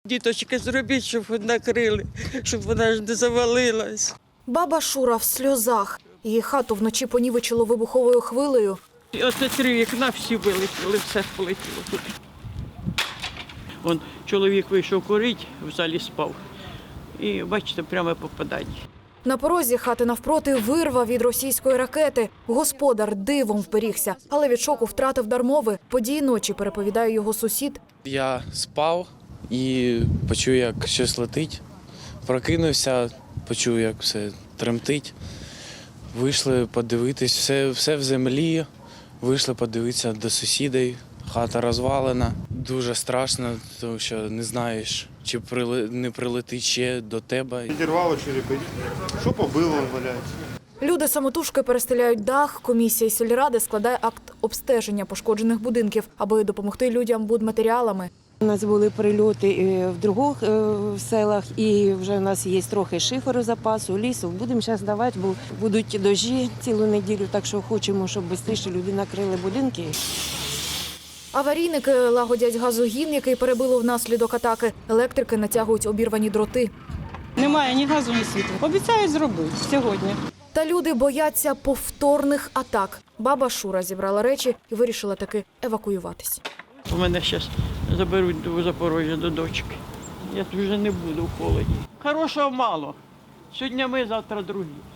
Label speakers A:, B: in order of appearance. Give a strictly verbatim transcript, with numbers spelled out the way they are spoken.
A: Діточки, зробіть, щоб накрили, щоб вона ж не завалилась.
B: Баба Шура в сльозах. Її хату вночі понівечило вибуховою хвилею.
A: І оце три вікна всі вилетіли, все полетіло туди. Вон чоловік вийшов курити, в залі спав. І, бачите, прямо попадання.
B: На порозі хати навпроти вирва від російської ракети. Господар дивом вберігся, але від шоку втратив дар мови. Події ночі, переповідає його сусід.
C: Я спав і почув, як щось летить. Прокинувся, почув, як все тремтить. Вийшли подивитись, все, все в землі. Вийшли подивитися до сусідів. Хата розвалена. Дуже страшно, тому що не знаєш, чи прили... не прилетить ще до тебе.
D: Підірвало черепи. Що побило, валяється.
B: Люди самотужки перестеляють дах. Комісія сільради складає акт обстеження пошкоджених будинків, аби допомогти людям будматеріалами.
E: У нас були прильоти в других селах, і вже в нас є трохи шиферу запасу, лісу. Будемо зараз давати, бо будуть дощі цілу неділю, так що хочемо, щоб швидше люди накрили будинки.
B: Аварійники лагодять газогін, який перебило внаслідок атаки. Електрики натягують обірвані дроти.
F: Немає ні газу, ні світла. Обіцяють зробити сьогодні.
B: Та люди бояться повторних атак. Баба Шура зібрала речі і вирішила таки евакуюватись.
A: У мене зараз заберуть до Запорожжя до дочки. Я тут вже не буду в холоді. Хорошого мало. Сьогодні ми, завтра другі.